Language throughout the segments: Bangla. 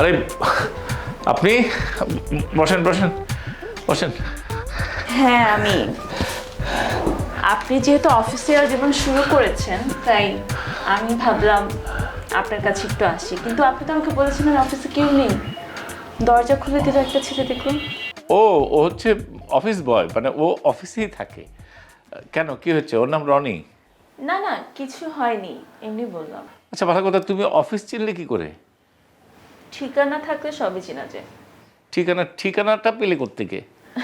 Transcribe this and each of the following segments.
আরে আপনি বসেন বসেন বসেন। হ্যাঁ আমি। আপনি যেহেতু অফিসিয়াল জীবন শুরু করেছেন তাই আমি ভাবলাম আপনার কাছে একটু আসি, কিন্তু আপনি তো আমাকে বলেছিলেন অফিসে কেউ নেই। দরজা খুলে দিল একটা ছেলে, দেখুন। ও ও হচ্ছে অফিস বয়, মানে ও অফিসেই থাকে। কেন, কি হচ্ছে? ওর নাম রনি। না না, কিছু হয়নি, এমনি বললাম। আচ্ছা ভালো কথা, তুমি অফিস চিনলে কি করে? ঠিকানা থাকলে সবই চেনা যায়। ঠিকানাটা পেলে কোত্থেকে?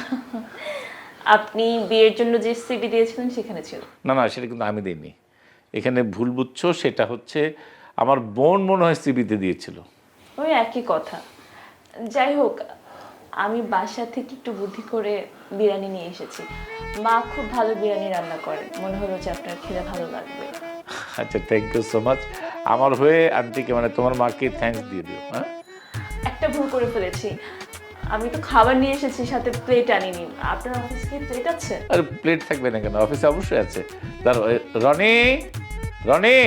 আপনি বিয়ের জন্য যে সিভি দিয়েছিলেন সেখানে ছিল। না না, সেটা কিন্তু আমি দিইনি। এখানে ভুল বুঝছো, সেটা হচ্ছে আমার বোন মনে হয় সিবিতে দিয়েছিল। ওই একই কথা। যাই হোক, আমি বাসা থেকে একটু বুদ্ধি করে বিরিয়ানি নিয়ে এসেছি। মা খুব ভালো বিরিয়ানি রান্না করে, মনে হলো যে আপনার খেলে ভালো লাগবে। আচ্ছা, থ্যাংক ইউ সো মাচ। আমার হয়ে আন্টিকে, মানে তোমার মাকে থ্যাঙ্কস দিয়ে দিও। হ্যাঁ, একটা ভুল করে ফেলেছি, আমি তো খাবার নিয়ে এসেছি, সাথে প্লেট আনিনি। আপনার অফিসে কি প্লেট আছে? আর প্লেট থাকবে না কেন? অফিসে অবশ্যই আছে। দাঁড়ো, রনি রনি,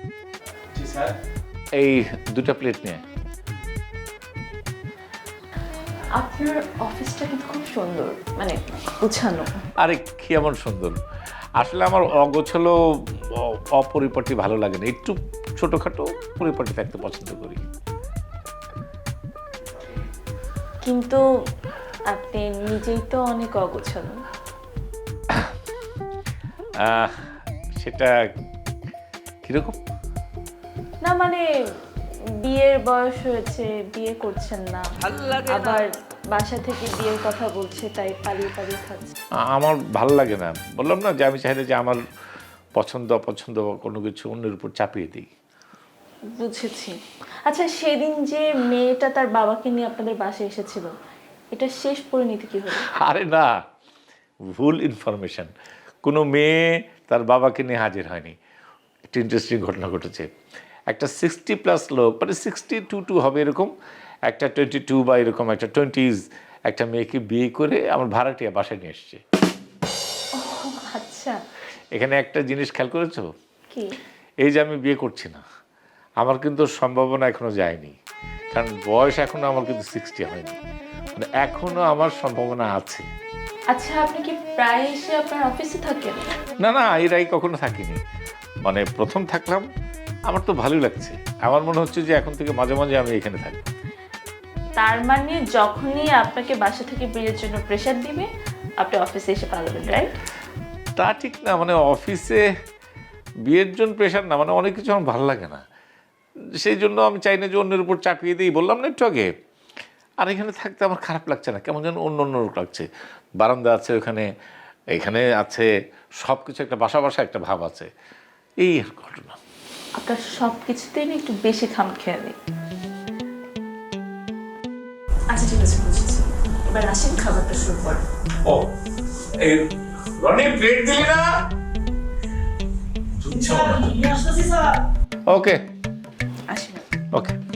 এই 2টা প্লেট নিয়ে। আপনার অফিসটা কিন্তু খুব সুন্দর, মানে গুছানো। আরে কি এমন সুন্দর! আসলে আমার অগোছালো অপরিপাটি ভালো লাগে না, একটু ছোটোখাটো পরিপাটি থাকতে পছন্দ করি। কিন্তু আপনি নিজেই তো অনেক অগোছালো। সেটা কীরকম? না মানে, বিয়ের বয়স হয়েছে, বিয়ে করছেন না, আবার বাসা থেকে বিয়ের কথা বলছে, তাই পালিয়ে পালিয়ে খাচ্ছে। আমার ভালো লাগে না, বললাম না যে আমি চাইলে যে আমার পছন্দ অপছন্দ কোনো কিছু অন্যের উপর চাপিয়ে দিই। বুঝেছি। আচ্ছা, সেদিন যে মেয়েটা তার বাবাকে নিয়ে আপনাদের বাসায় এসেছিল, এটা শেষ পরিণতি কি হলো? আরে না, ভুল ইনফরমেশন। কোনো মেয়ে তার বাবাকে নিয়ে হাজির হয়নি। একটা ইন্টারেস্টিং ঘটনা ঘটেছে। একটা 60+ লোক, মানে 62 হবে এরকম, একটা 22 বা এরকম একটা 20s একটা মেয়েকে বিয়ে করে আমার ভাড়াটিয়া বাসায় নিয়ে এসছে। আচ্ছা। এখানে একটা জিনিস খেয়াল করেছো? কি? এই যে আমি বিয়ে করছি না, আমার কিন্তু সম্ভাবনা এখনো যায়নি, কারণ বয়স এখনো আমার কিন্তু 60 হয়নি, মানে এখনো আমার সম্ভাবনা আছে। আচ্ছা, আপনি কি প্রায় এসে আপনার অফিসে থাকেন? না না, এর আগে কখনো থাকিনি, মানে প্রথম থাকলাম। আমার তো ভালোই লাগছে, আমার মনে হচ্ছে যে এখন থেকে মাঝে মাঝে আমি এখানে থাকবো। তার মানে যখনই আপনাকে বাসা থেকে বিয়ের জন্য প্রেশার দিবে, আপনি অফিসে এসে পালাবেন, রাইট? তা ঠিক না, মানে অফিসে বিয়ের জন্য প্রেশার না, মানে অনেক কিছু আমার ভালো লাগে না, সেই জন্য আমি চাই না যে অন্যের উপর চাপিয়ে দিই। বললাম না একটু আগে, আর এখানে থাকতে আমার খারাপ লাগছে না, কেমন যেন অন্য অন্য লাগছে। বারান্দা আছে ওখানে, এখানে আছে, সব কিছু একটা বাসা বাসা একটা ভাব আছে, এই আর ঘটনা। আপনার সব কিছুতেই না একটু বেশি খামখেয়ালি। আচ্ছা ঠিক আছে, বুঝেছি। এবার আসেন, খাবারটা শুরু করেন। ও, এই রনি প্লেট দিলি না? ওকে আসেন। ওকে।